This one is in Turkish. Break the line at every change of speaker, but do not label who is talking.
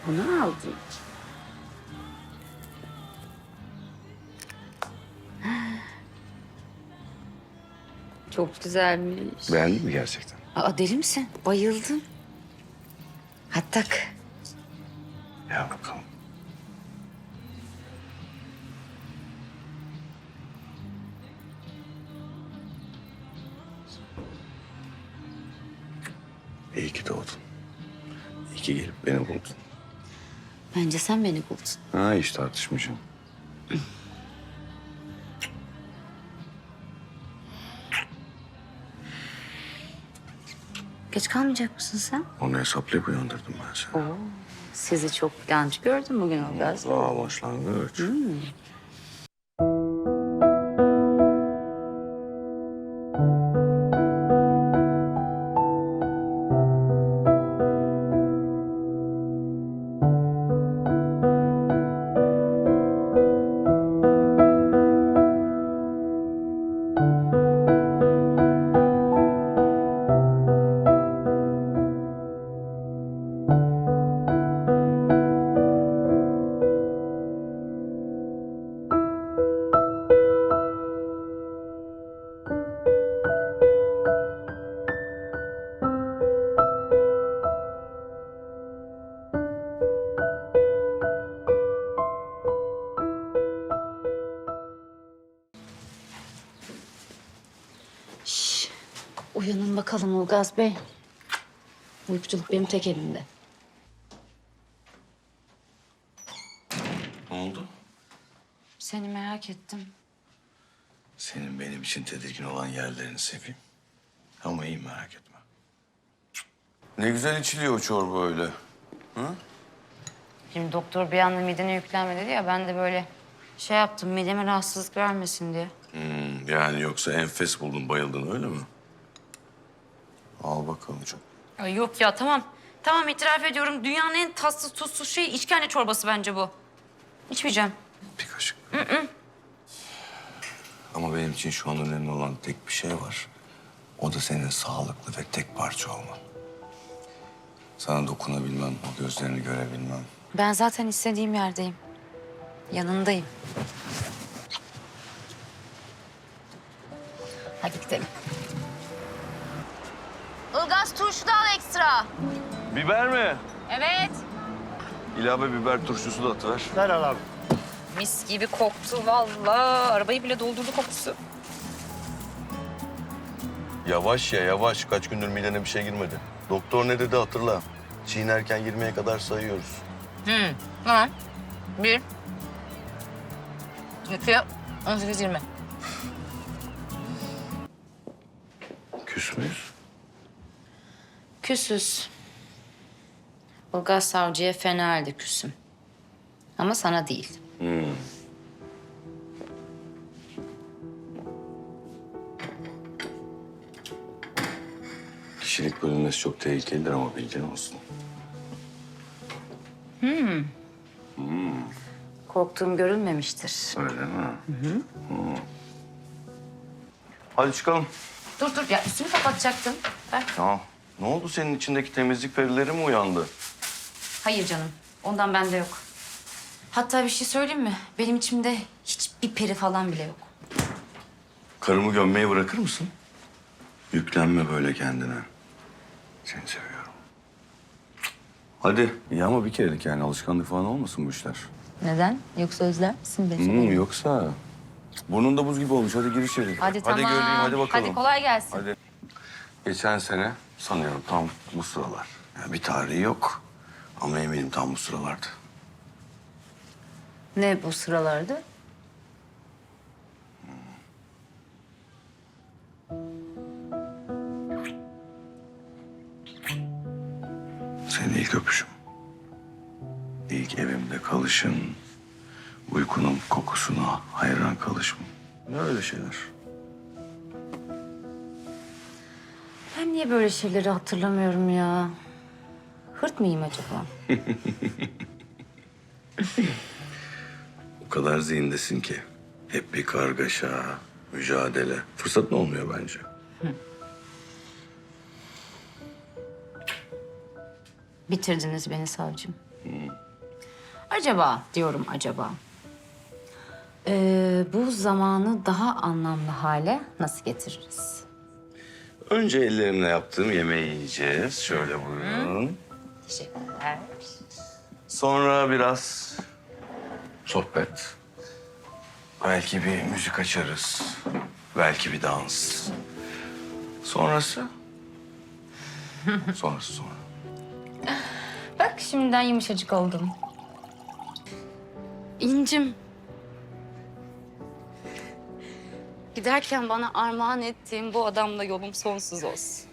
Bunu aldım. Çok güzelmiş.
Beğendin mi gerçekten?
Aa, deli misin? Bayıldım. Hadi tak.
Ya bakalım. İyi ki doğdun. İyi ki gelip beni buldun.
Bence sen beni buldun.
Ha, hiç tartışmayacağım.
Geç kalmayacak mısın sen?
Onu hesaplayıp uyandırdım ben seni.
Oo, sizi çok genç gördüm bugün Ilgaz.
Aa, başlangıç.
Uyanın bakalım Ilgaz Bey. Uykuculuk benim tek elimde.
Ne oldu?
Seni merak ettim.
Senin benim için tedirgin olan yerlerini seveyim. Ama iyi, merak etme. Ne güzel içiliyor o çorba öyle.
Şimdi doktor bir anda midene yüklenme dedi ya, ben de böyle şey yaptım, mideme rahatsızlık vermesin diye.
Yani yoksa enfes buldun, bayıldın öyle mi? Al bakalım canım.
Ay yok ya, tamam. Tamam, itiraf ediyorum. Dünyanın en tatsız tuzsuz şeyi işkembe çorbası bence bu. İçmeyeceğim.
Bir kaşık. Ama benim için şu an önemli olan tek bir şey var. O da senin sağlıklı ve tek parça olman. Sana dokunabilmem, o gözlerini görebilmem.
Ben zaten istediğim yerdeyim. Yanındayım. Hadi gidelim.
Ilgaz turşu da al ekstra.
Biber mi?
Evet.
İlave biber turşusu da atıver.
Mis gibi koktu vallahi. Arabayı bile doldurdu kokusu.
Yavaş ya, yavaş. Kaç gündür midene bir şey girmedi. Doktor ne dedi hatırla. Çiğnerken 20'ye kadar sayıyoruz.
Tamam. 1, 2, 18, 20.
Küs müyüz?
Küsüz. Ilgaz Savcı'ya fena halde küsüm. Ama sana değil.
Kişilik bölünmesi çok tehlikelidir ama bilgin olsun.
Korktuğum görülmemiştir.
Öyle mi? Hadi çıkalım.
Dur ya, üstümü kapatacaktım. Ver.
Ya ne oldu, senin içindeki temizlik perileri mi uyandı?
Hayır canım, ondan bende yok. Hatta bir şey söyleyeyim mi? Benim içimde hiçbir peri falan bile yok.
Karımı gömmeyi bırakır mısın? Yüklenme böyle kendine. Seni seviyorum. Hadi. İyi ama bir kerelik yani, alışkanlık falan olmasın bu işler.
Neden? Yoksa özler misin beni?
Yoksa burnunda buz gibi olmuş. Hadi gir içeri.
Hadi tamam.
Hadi göreyim, hadi bakalım.
Hadi kolay gelsin.
Hadi. Geçen sene sanıyorum tam bu sıralar. Yani bir tarihi yok ama eminim tam bu sıralardı.
Ne bu sıralarda?
Senin ilk öpüşüm. İlk evimde kalışın. Uykunun kokusuna hayran kalışım. Ne öyle şeyler.
Ben niye böyle şeyleri hatırlamıyorum ya? Hırt mıyım acaba?
O kadar zihindesin ki. Hep bir kargaşa, mücadele. Fırsatın olmuyor bence.
Bitirdiniz beni savcım. Acaba diyorum acaba. Bu zamanı daha anlamlı hale nasıl getiririz?
Önce ellerimle yaptığım yemeği yiyeceğiz. Şöyle buyurun.
Teşekkürler.
Sonra biraz sohbet. Belki bir müzik açarız. Belki bir dans. Sonrası? Sonrası sonra.
Bak şimdiden yumuşacık oldum.
İncim. Giderken bana armağan ettiğin bu adamla yolum sonsuz olsun.